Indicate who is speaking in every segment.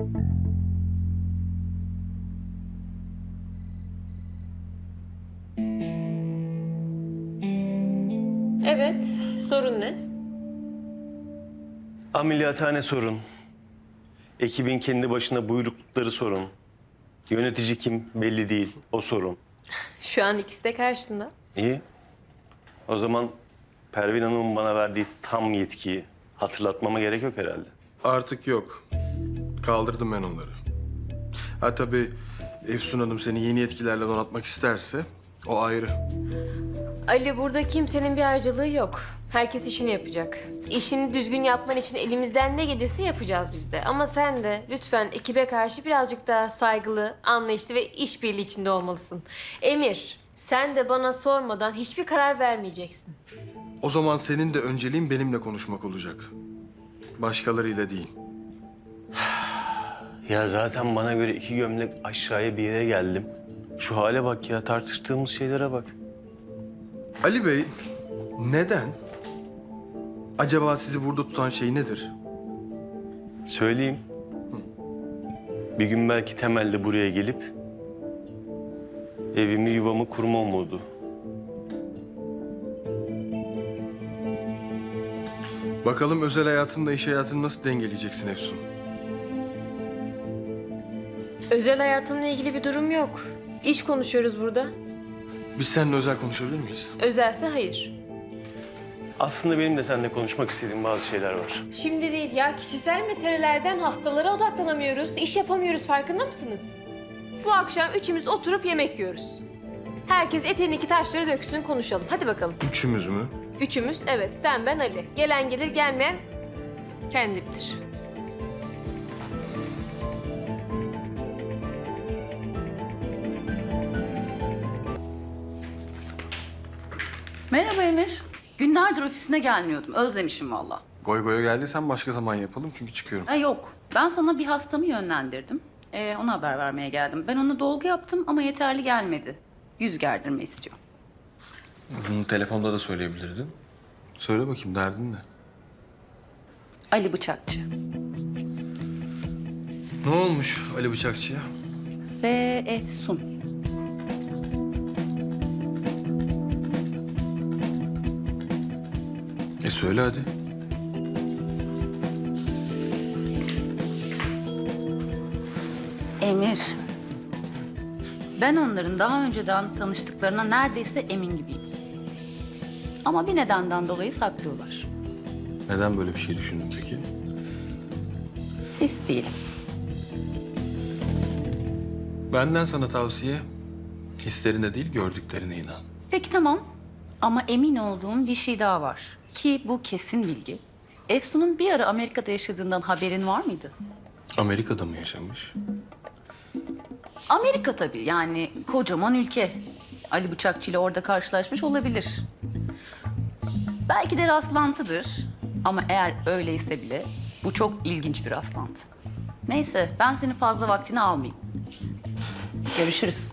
Speaker 1: Evet, sorun ne?
Speaker 2: Ameliyathane sorun. Ekibin kendi başına buyruklukları sorun. Yönetici kim belli değil, o sorun.
Speaker 1: Şu an ikisi de karşında.
Speaker 2: İyi. O zaman Pervin Hanım'ın bana verdiği tam yetkiyi hatırlatmama gerek yok herhalde.
Speaker 3: Artık yok. Kaldırdım ben onları. Ha tabii Efsun Hanım seni yeni yetkilerle donatmak isterse o ayrı.
Speaker 1: Ali, burada kimsenin bir harcalığı yok. Herkes işini yapacak. İşini düzgün yapman için elimizden ne gelirse yapacağız biz de. Ama sen de lütfen ekibe karşı birazcık daha saygılı, anlayışlı ve işbirliği içinde olmalısın. Emir, sen de bana sormadan hiçbir karar vermeyeceksin.
Speaker 3: O zaman senin de önceliğin benimle konuşmak olacak. Başkalarıyla değil.
Speaker 2: Ya zaten bana göre 2 gömlek aşağıya bir yere geldim. Şu hale bak ya, tartıştığımız şeylere bak.
Speaker 3: Ali Bey, neden? Acaba sizi burada tutan şey nedir?
Speaker 2: Söyleyeyim. Bir gün belki temelde buraya gelip evimi yuvamı kurma umudu.
Speaker 3: Bakalım özel hayatınla iş hayatını nasıl dengeleyeceksin Efsun?
Speaker 1: Özel hayatımla ilgili bir durum yok. İş konuşuyoruz burada.
Speaker 3: Biz seninle özel konuşabilir miyiz?
Speaker 1: Özelse hayır.
Speaker 2: Aslında benim de seninle konuşmak istediğim bazı şeyler var.
Speaker 1: Şimdi değil ya, kişisel meselelerden hastalara odaklanamıyoruz, iş yapamıyoruz, farkında mısınız? Bu akşam üçümüz oturup yemek yiyoruz. Herkes eteğindeki taşları döksün, konuşalım. Hadi bakalım.
Speaker 3: Üçümüz mü?
Speaker 1: Üçümüz, evet, sen, ben, Ali. Gelen gelir, gelmeyen kendi bilir.
Speaker 4: Merhaba Emir. Günlerdir ofisine gelmiyordum. Özlemişim valla.
Speaker 3: Goy goya geldiysen başka zaman yapalım çünkü çıkıyorum.
Speaker 4: Ha yok. Ben sana bir hastamı yönlendirdim. Ona haber vermeye geldim. Ben ona dolgu yaptım ama yeterli gelmedi. Yüz gerdirme istiyor.
Speaker 3: Bunu telefonda da söyleyebilirdin. Söyle bakayım derdin ne?
Speaker 4: Ali Bıçakçı.
Speaker 3: Ne olmuş Ali Bıçakçı'ya?
Speaker 4: Ve Efsun.
Speaker 3: Söyle hadi.
Speaker 4: Emir. Ben onların daha önceden tanıştıklarına neredeyse emin gibiyim. Ama bir nedenden dolayı saklıyorlar.
Speaker 3: Neden böyle bir şey düşündün peki?
Speaker 4: His değil.
Speaker 3: Benden sana tavsiye, hislerine değil gördüklerine inan.
Speaker 4: Peki tamam. Ama emin olduğum bir şey daha var. Ki bu kesin bilgi. Efsun'un bir ara Amerika'da yaşadığından haberin var mıydı?
Speaker 3: Amerika'da mı yaşamış?
Speaker 4: Amerika tabii, yani kocaman ülke. Ali Bıçakçı ile orada karşılaşmış olabilir. Belki de rastlantıdır. Ama eğer öyleyse bile bu çok ilginç bir rastlantı. Neyse, ben senin fazla vaktini almayayım. Görüşürüz.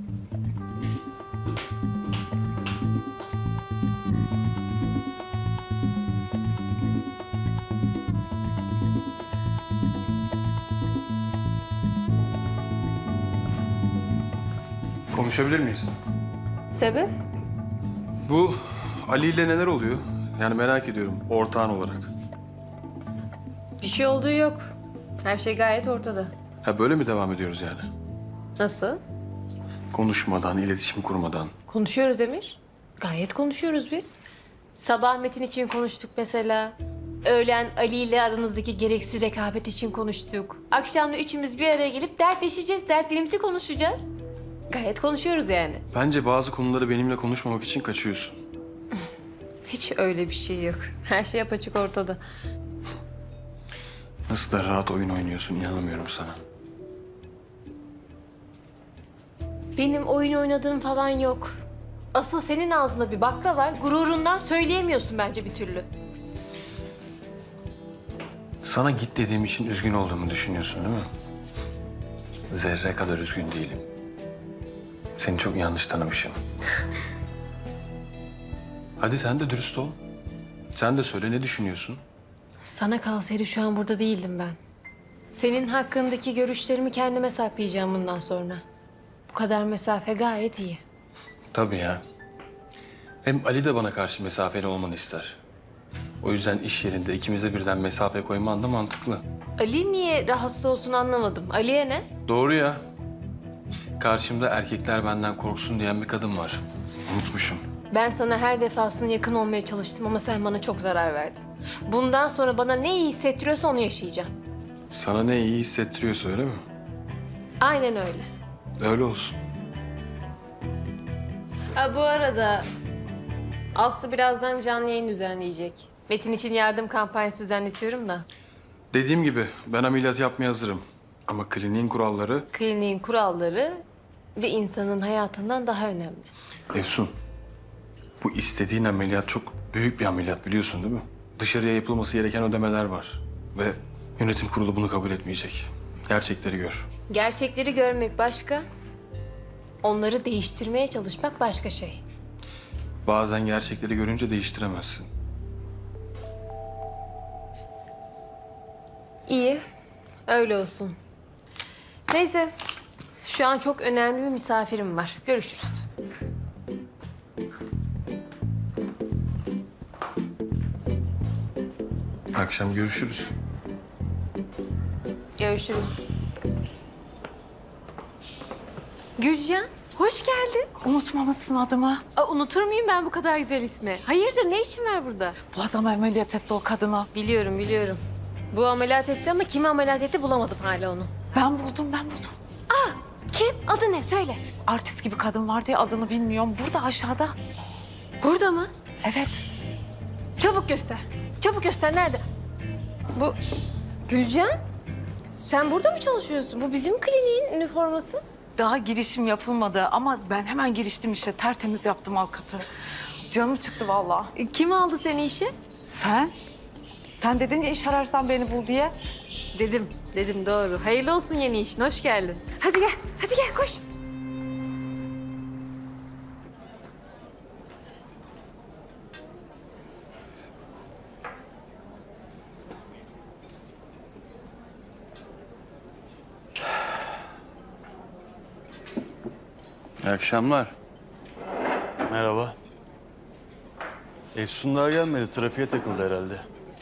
Speaker 3: Konuşabilir miyiz?
Speaker 1: Sebep?
Speaker 3: Bu Ali ile neler oluyor? Yani merak ediyorum ortağın olarak.
Speaker 1: Bir şey olduğu yok. Her şey gayet ortada.
Speaker 3: Ha böyle mi devam ediyoruz yani?
Speaker 1: Nasıl?
Speaker 3: Konuşmadan, iletişim kurmadan.
Speaker 1: Konuşuyoruz Emir. Gayet konuşuyoruz biz. Sabah Metin için konuştuk mesela. Öğlen Ali ile aranızdaki gereksiz rekabet için konuştuk. Akşam da üçümüz bir araya gelip dertleşeceğiz, dertlerimizi konuşacağız. Gayet konuşuyoruz yani.
Speaker 3: Bence bazı konuları benimle konuşmamak için kaçıyorsun.
Speaker 1: Hiç öyle bir şey yok. Her şey apaçık ortada.
Speaker 3: Nasıl da rahat oyun oynuyorsun inanamıyorum sana.
Speaker 1: Benim oyun oynadığım falan yok. Asıl senin ağzında bir bakla var. Gururundan söyleyemiyorsun bence bir türlü.
Speaker 3: Sana git dediğim için üzgün olduğumu düşünüyorsun değil mi? Zerre kadar üzgün değilim. Seni çok yanlış tanımışım. Hadi sen de dürüst ol. Sen de söyle ne düşünüyorsun?
Speaker 1: Sana kalsaydı şu an burada değildim ben. Senin hakkındaki görüşlerimi kendime saklayacağım bundan sonra. Bu kadar mesafe gayet iyi.
Speaker 3: Tabii ya. Hem Ali de bana karşı mesafeli olmanı ister. O yüzden iş yerinde ikimize birden mesafe koyman da mantıklı.
Speaker 1: Ali niye rahatsız olsun anlamadım. Ali'ye ne?
Speaker 3: Doğru ya. Karşımda erkekler benden korksun diyen bir kadın var. Unutmuşum.
Speaker 1: Ben sana her defasında yakın olmaya çalıştım ama sen bana çok zarar verdin. Bundan sonra bana ne iyi hissettiriyorsa onu yaşayacağım.
Speaker 3: Sana ne iyi hissettiriyorsa öyle mi?
Speaker 1: Aynen öyle.
Speaker 3: Öyle olsun.
Speaker 1: Bu arada Aslı birazdan canlı yayın düzenleyecek. Metin için yardım kampanyası düzenletiyorum da.
Speaker 3: Dediğim gibi ben ameliyat yapmaya hazırım. Ama kliniğin kuralları...
Speaker 1: Kliniğin kuralları bir insanın hayatından daha önemli.
Speaker 3: Efsun, bu istediğin ameliyat çok büyük bir ameliyat biliyorsun değil mi? Dışarıya yapılması gereken ödemeler var. Ve yönetim kurulu bunu kabul etmeyecek. Gerçekleri gör.
Speaker 1: Gerçekleri görmek başka, onları değiştirmeye çalışmak başka şey.
Speaker 3: Bazen gerçekleri görünce değiştiremezsin.
Speaker 1: İyi, öyle olsun. Neyse, şu an çok önemli bir misafirim var. Görüşürüz.
Speaker 3: Akşam görüşürüz.
Speaker 1: Görüşürüz. Gülcan, hoş geldin.
Speaker 5: Unutmamışsın adımı.
Speaker 1: Unutur muyum ben bu kadar güzel ismi? Hayırdır, ne işin var burada?
Speaker 5: Bu adam ameliyat etti o kadına.
Speaker 1: Biliyorum, biliyorum. Bu ameliyat etti ama kimi ameliyat etti bulamadım hala onu.
Speaker 5: Ben buldum.
Speaker 1: Kim? Adı ne? Söyle.
Speaker 5: Artist gibi kadın vardı ya, adını bilmiyorum. Burada aşağıda.
Speaker 1: Burada mı?
Speaker 5: Evet.
Speaker 1: Çabuk göster. Çabuk göster. Nerede? Bu... Gülcan? Sen burada mı çalışıyorsun? Bu bizim kliniğin üniforması.
Speaker 5: Daha girişim yapılmadı ama ben hemen giriştim işe. Tertemiz yaptım avukatı. Canım çıktı vallahi.
Speaker 1: Kim aldı seni işe?
Speaker 5: Sen? Sen dedin ya iş ararsan beni bul diye.
Speaker 1: Dedim doğru. Hayırlı olsun yeni işin. Hoş geldin. Hadi gel koş.
Speaker 3: İyi akşamlar.
Speaker 6: Merhaba. Efsun daha gelmedi. Trafiğe takıldı herhalde.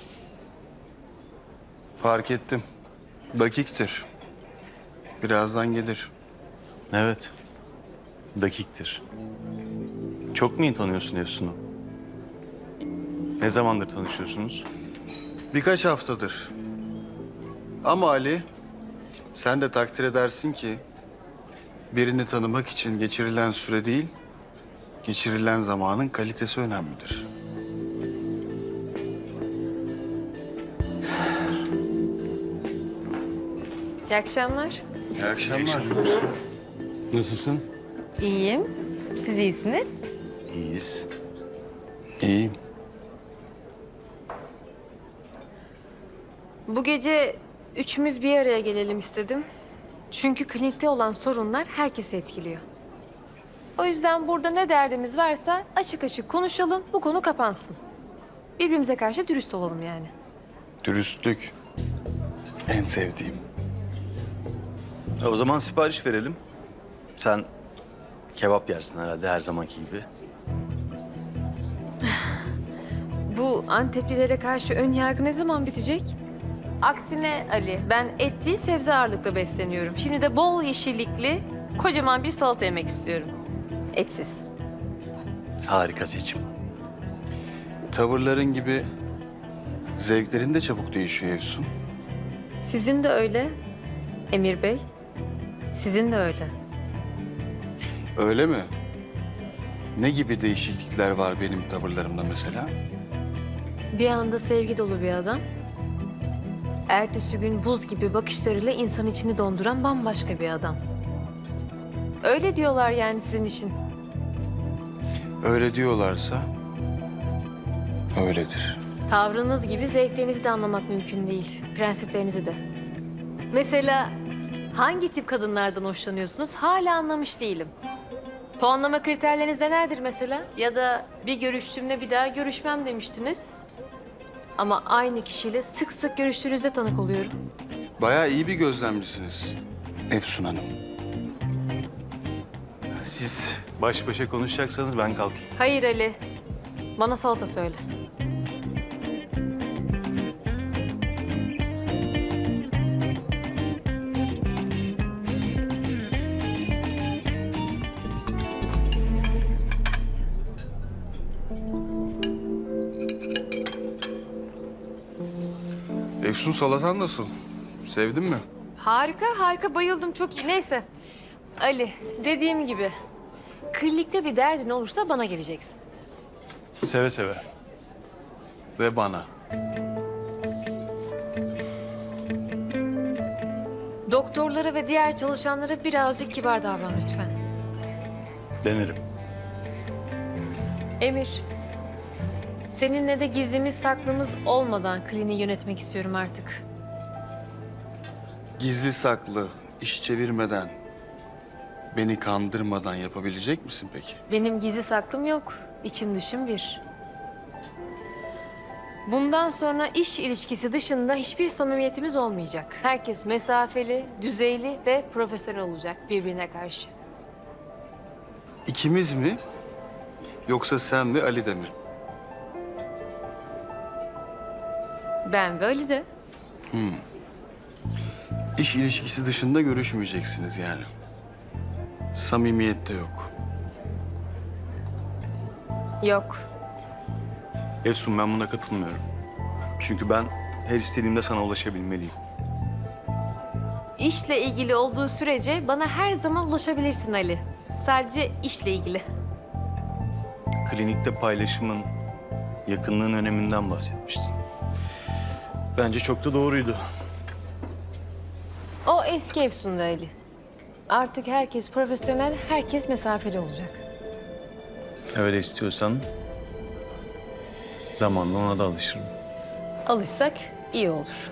Speaker 3: Fark ettim. Dakiktir. Birazdan gelir.
Speaker 6: Evet. Dakiktir. Çok mu iyi tanıyorsun Efsun'u? Ne zamandır tanışıyorsunuz?
Speaker 3: Birkaç haftadır. Ama Ali, sen de takdir edersin ki birini tanımak için geçirilen süre değil, geçirilen zamanın kalitesi önemlidir.
Speaker 1: İyi akşamlar.
Speaker 3: İyi akşamlar.
Speaker 6: Nasılsın?
Speaker 1: İyiyim. Siz iyisiniz.
Speaker 6: İyiyiz.
Speaker 3: İyiyim.
Speaker 1: Bu gece üçümüz bir araya gelelim istedim. Çünkü klinikte olan sorunlar herkesi etkiliyor. O yüzden burada ne derdimiz varsa açık açık konuşalım, bu konu kapansın. Birbirimize karşı dürüst olalım yani.
Speaker 3: Dürüstlük. En sevdiğim.
Speaker 6: O zaman sipariş verelim. Sen kebap yersin herhalde her zamanki gibi.
Speaker 1: Bu Anteplilere karşı ön yargı ne zaman bitecek? Aksine Ali, ben et değil sebze ağırlıklı besleniyorum. Şimdi de bol yeşillikli, kocaman bir salata yemek istiyorum. Etsiz.
Speaker 6: Harika seçim.
Speaker 3: Tavırların gibi zevklerin de çabuk değişiyor Efsun.
Speaker 1: Sizin de öyle Emir Bey. Sizin de öyle.
Speaker 3: Öyle mi? Ne gibi değişiklikler var benim tavırlarımda mesela?
Speaker 1: Bir anda sevgi dolu bir adam. Ertesi gün buz gibi bakışlarıyla insan içini donduran bambaşka bir adam. Öyle diyorlar yani sizin için.
Speaker 3: Öyle diyorlarsa öyledir.
Speaker 1: Tavrınız gibi zevklerinizi de anlamak mümkün değil. Prensiplerinizi de. Mesela hangi tip kadınlardan hoşlanıyorsunuz hala anlamış değilim. Puanlama kriterleriniz nelerdir mesela? Ya da bir görüştüğümde bir daha görüşmem demiştiniz. Ama aynı kişiyle sık sık görüştüğünüzde tanık oluyorum.
Speaker 3: Bayağı iyi bir gözlemcisiniz Efsun Hanım.
Speaker 6: Siz baş başa konuşacaksanız ben kalkayım.
Speaker 1: Hayır Ali. Bana salata söyle.
Speaker 3: Efsun, salatan nasıl? Sevdin mi?
Speaker 1: Harika, harika. Bayıldım. Çok iyi. Neyse. Ali, dediğim gibi. Klinikte bir derdin olursa bana geleceksin.
Speaker 6: Seve seve.
Speaker 3: Ve bana.
Speaker 1: Doktorlara ve diğer çalışanlara birazcık kibar davran lütfen.
Speaker 6: Denerim.
Speaker 1: Emir, seninle de gizlimiz saklımız olmadan kliniği yönetmek istiyorum artık.
Speaker 3: Gizli saklı, iş çevirmeden, beni kandırmadan yapabilecek misin peki?
Speaker 1: Benim gizli saklım yok. İçim dışım bir. Bundan sonra iş ilişkisi dışında hiçbir samimiyetimiz olmayacak. Herkes mesafeli, düzeyli ve profesyonel olacak birbirine karşı.
Speaker 3: İkimiz mi? Yoksa sen ve Ali de mi?
Speaker 1: Ben ve Ali de.
Speaker 3: İş ilişkisi dışında görüşmeyeceksiniz yani. Samimiyet de yok.
Speaker 1: Yok.
Speaker 6: Efsun, ben buna katılmıyorum. Çünkü ben her istediğimde sana ulaşabilmeliyim.
Speaker 1: İşle ilgili olduğu sürece bana her zaman ulaşabilirsin Ali. Sadece işle ilgili.
Speaker 6: Klinikte paylaşımın, yakınlığın öneminden bahsetmiştin. Bence çok da doğruydu.
Speaker 1: O eski Efsun'da Ali. Artık herkes profesyonel, herkes mesafeli olacak.
Speaker 6: Öyle istiyorsan zamanla ona da alışırım.
Speaker 1: Alışsak iyi olur.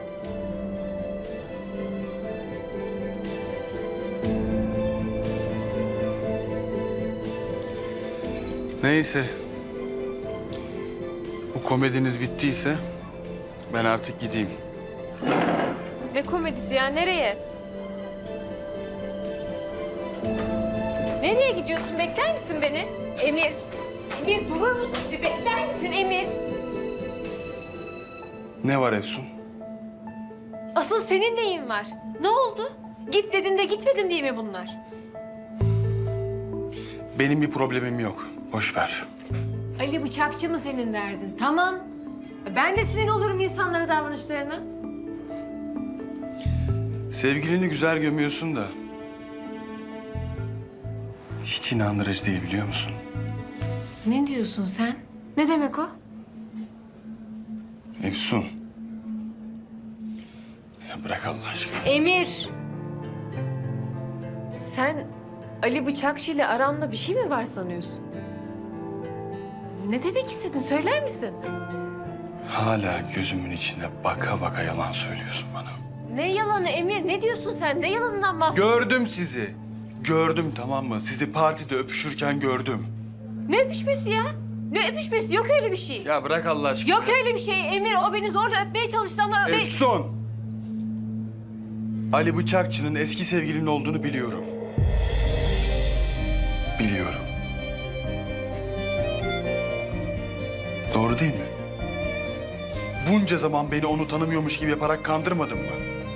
Speaker 3: Neyse. Bu komediniz bittiyse ben artık gideyim.
Speaker 1: Ne komedisi ya? Nereye? Nereye gidiyorsun? Bekler misin beni? Emir. Emir durur musun? Bir bekler misin Emir?
Speaker 3: Ne var Efsun?
Speaker 1: Asıl senin neyin var? Ne oldu? Git dedin de gitmedim diye mi bunlar?
Speaker 3: Benim bir problemim yok. Boş ver.
Speaker 1: Ali Bıçakçı mı senin derdin? Tamam. Ben de sinir olurum insanlara davranışlarına.
Speaker 3: Sevgilini güzel gömüyorsun da hiç inandırıcı değil, biliyor musun?
Speaker 1: Ne diyorsun sen? Ne demek o?
Speaker 3: Efsun. Ya bırak Allah aşkına.
Speaker 1: Emir! Sen Ali Bıçakçı ile aramda bir şey mi var sanıyorsun? Ne demek istedin? Söyler misin?
Speaker 3: Hala gözümün içine baka baka yalan söylüyorsun bana.
Speaker 1: Ne yalanı Emir? Ne diyorsun sen? Ne yalanından bahsediyorsun?
Speaker 3: Gördüm sizi. Gördüm, tamam mı? Sizi partide öpüşürken gördüm.
Speaker 1: Ne öpüşmesi ya? Ne öpüşmesi? Yok öyle bir şey.
Speaker 3: Ya bırak Allah aşkına.
Speaker 1: Yok öyle bir şey Emir. O beni zorla öpmeye çalıştı ama...
Speaker 3: Efsun! Ali Bıçakçı'nın eski sevgilinin olduğunu biliyorum. Biliyorum. Doğru değil mi? Bunca zaman beni onu tanımıyormuş gibi yaparak kandırmadın mı?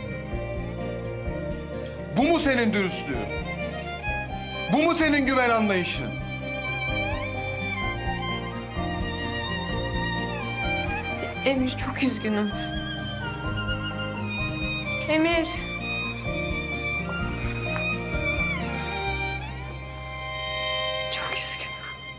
Speaker 3: Bu mu senin dürüstlüğün? Bu mu senin güven anlayışın?
Speaker 1: Emir çok üzgünüm. Emir. Çok üzgünüm.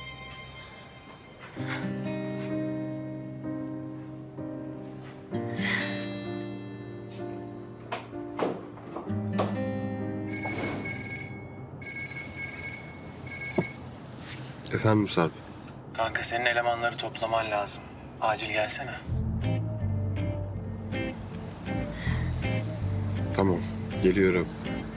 Speaker 7: Efendim Sarp.
Speaker 8: Kanka senin elemanları toplaman lazım. Acil gelsene.
Speaker 7: Tamam, geliyorum.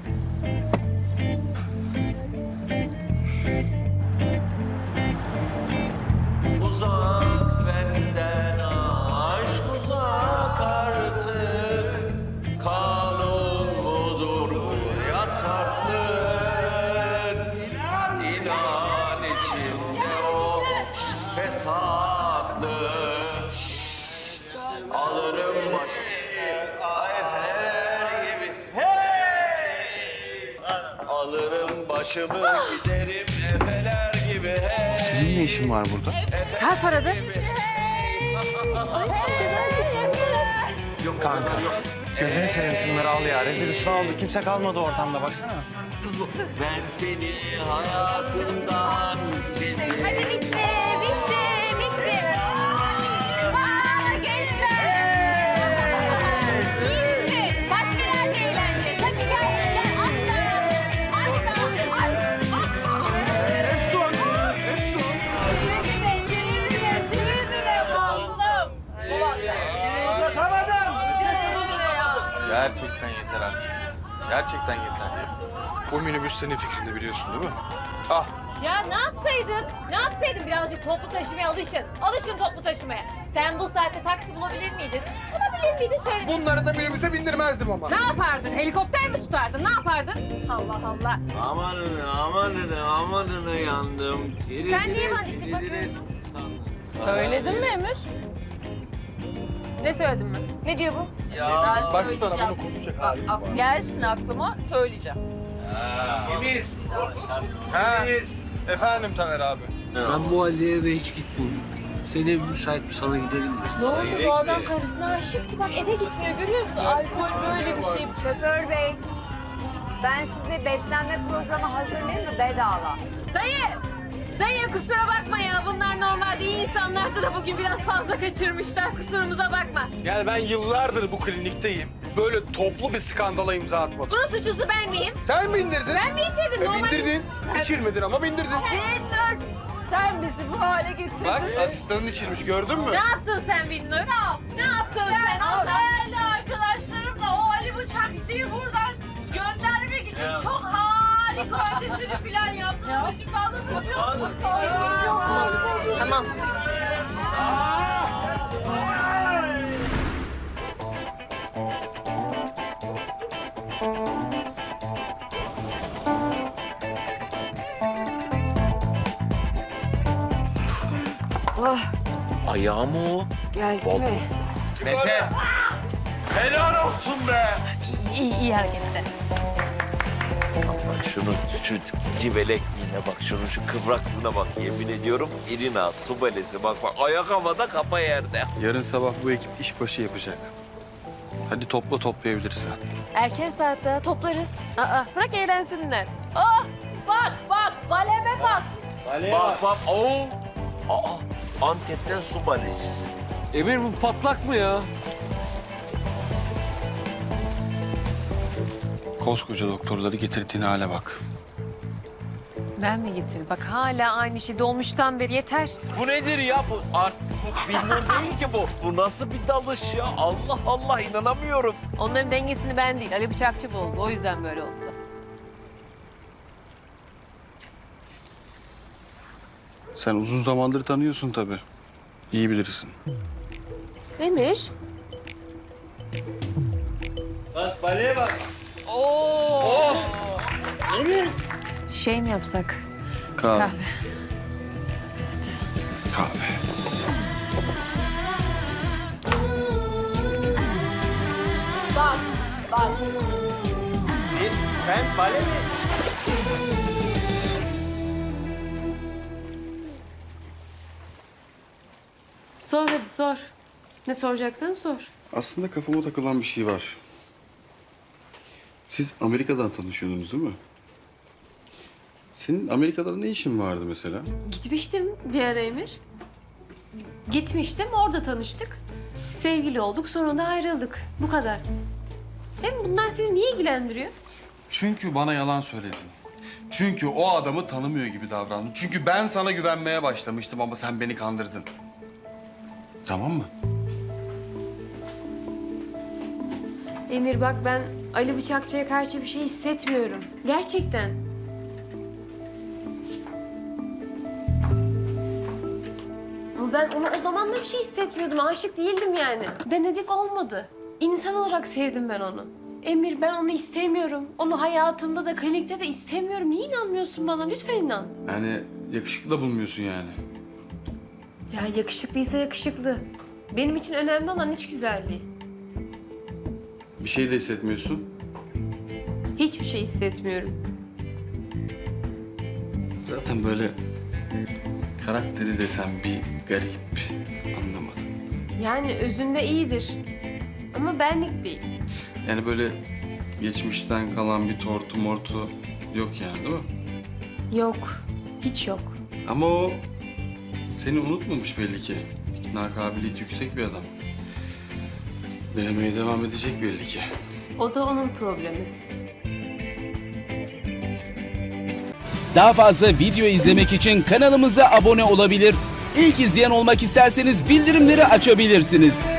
Speaker 9: Uzak benden aşk uzak artık. başımı giderim efeler gibi hey.
Speaker 3: Senin ne işin var burada?
Speaker 1: Sarp aradı.
Speaker 8: Yok kanka. Gözünü seveyim şunları al ya. Rezil rüsva oldu. Kimse kalmadı ortamda baksana.
Speaker 9: Ben seni hayatımdan sildim.
Speaker 1: Hadi bitti, bitti, bitti. Aa, gençler! İyi bitti. Başka yerde eğleneceğiz. Hadi gel, gel. Atla.
Speaker 3: Efsun! Efsun! Gerçekten yeter artık. Gerçekten yeter. Bu minibüs senin fikrinde biliyorsun değil mi? Ah!
Speaker 1: Ya ne yapsaydım? Ne yapsaydım? Birazcık toplu taşımaya alışın. Alışın toplu taşımaya. Sen bu saatte taksi bulabilir miydin? Bulabilir miydin? Söyle.
Speaker 3: Bunları da minibüse bindirmezdim ama.
Speaker 1: Ne yapardın? Helikopter mi tutardın? Ne yapardın? Allah Allah.
Speaker 9: Amanını yandım.
Speaker 1: Sen niye bana dik dik bakıyorsun? Söyledin mi Emir? Ne söyledim ben? Ne diyor bu?
Speaker 3: Baksana bunu konuşacak hali.
Speaker 5: Gelsin aklıma söyleyeceğim.
Speaker 9: Emir.
Speaker 3: Ha? Efendim Taner abi.
Speaker 10: Ben bu Ali'ye eve hiç gitmiyorum. Senin evin müsait mi? Sana gidelim mi?
Speaker 1: Ne oldu? Bu adam karısına aşıktı. Bak eve gitmiyor görüyor musun? Alkol böyle bir şey.
Speaker 11: Şoför bey, ben size beslenme programı hazırlayayım mı bedava?
Speaker 1: Dayı! Dayı kusura bakma ya. Bunlar normalde iyi insanlardı da bugün biraz fazla kaçırmışlar. Kusurumuza bakma.
Speaker 3: Yani ben yıllardır bu klinikteyim. Böyle toplu bir skandala imza atmadım.
Speaker 1: Bunun suçlusu ben miyim?
Speaker 3: Sen bindirdin.
Speaker 1: Ben mi içirdim? Normal...
Speaker 3: Bindirdin. İçirmedin ama bindirdin.
Speaker 11: Binnur, sen bizi bu hale getirdin.
Speaker 3: Bak asistanın içirmiş gördün mü?
Speaker 1: Ne yaptın sen Binnur? Ne yaptın sen? O değerli arkadaşlarımla o Ali Bıçakçı'yı buradan göndermek için çok harika ötesi bir plan yaptım. Ama şimdi anlatabiliyor musun? Tamam.
Speaker 9: Ayağım o.
Speaker 11: Geldi
Speaker 9: mi? Mete. Helal olsun be.
Speaker 1: İyi hareketler.
Speaker 9: Bak şunun şu civelekliğine bak, şunun şu kıvraklığına bak, yemin ediyorum. İrina, su balesi bak bak, ayak havada kafa yerde.
Speaker 3: Yarın sabah bu ekip işbaşı yapacak. Hadi toplayabilirsen.
Speaker 1: Erken saatte toplarız. Aa, bırak eğlensinler. Ah, bak, baleme bak.
Speaker 9: Bak, oo. Aa, Antep'ten su balecisi.
Speaker 10: Emir bu patlak mı ya?
Speaker 3: Koskoca doktorları getirdiğin hale bak.
Speaker 1: Ben mi getirdim? Bak hala aynı şey dolmuştan beri yeter.
Speaker 9: Bu nedir ya bu? Artık bu Binnur değil ki bu. Bu nasıl bir dalış ya? Allah Allah, inanamıyorum.
Speaker 1: Onların dengesini ben değil, Ali Bıçakçı bozdu. O yüzden böyle oldu.
Speaker 3: Sen uzun zamandır tanıyorsun tabii. İyi bilirsin.
Speaker 1: Emir.
Speaker 2: Bak baleye bak.
Speaker 1: Şey mi yapsak?
Speaker 3: Kahve.
Speaker 1: Kahve.
Speaker 3: Kahve.
Speaker 2: Sen bale mi?
Speaker 1: Sor hadi sor. Ne soracaksan sor.
Speaker 3: Aslında kafama takılan bir şey var. Siz Amerika'dan tanışıyordunuz değil mi? Senin Amerika'da ne işin vardı mesela?
Speaker 1: Gitmiştim bir ara Emir. Gitmiştim, orada tanıştık. Sevgili olduk, sonra da ayrıldık. Bu kadar. Hem bunlar seni niye ilgilendiriyor?
Speaker 3: Çünkü bana yalan söyledin. Çünkü o adamı tanımıyor gibi davrandın. Çünkü ben sana güvenmeye başlamıştım ama sen beni kandırdın. Tamam mı?
Speaker 1: Emir bak ben Ali Bıçakçı'ya karşı bir şey hissetmiyorum. Gerçekten. Ama ben ona o zaman da bir şey hissetmiyordum. Aşık değildim yani. Denedik olmadı. İnsan olarak sevdim ben onu. Emir ben onu istemiyorum. Onu hayatımda da klinikte de istemiyorum. Niye inanmıyorsun bana? Lütfen inan.
Speaker 3: Yani yakışıklı da bulmuyorsun yani.
Speaker 1: Ya yakışıklıysa yakışıklı. Benim için önemli olan iç güzelliği.
Speaker 3: Bir şey de hissetmiyorsun.
Speaker 1: Hiçbir şey hissetmiyorum.
Speaker 3: Zaten böyle karakteri desem bir garip. Anlamadım.
Speaker 1: Yani özünde iyidir. Ama benlik değil.
Speaker 3: Yani böyle geçmişten kalan bir tortu mortu yok yani değil mi?
Speaker 1: Yok. Hiç yok.
Speaker 3: Ama o seni unutmamış belli ki. İkna kabiliyeti yüksek bir adam. Denemeye devam edecek belli ki.
Speaker 1: O da onun problemi.
Speaker 12: Daha fazla video izlemek için kanalımıza abone olabilir. İlk izleyen olmak isterseniz bildirimleri açabilirsiniz.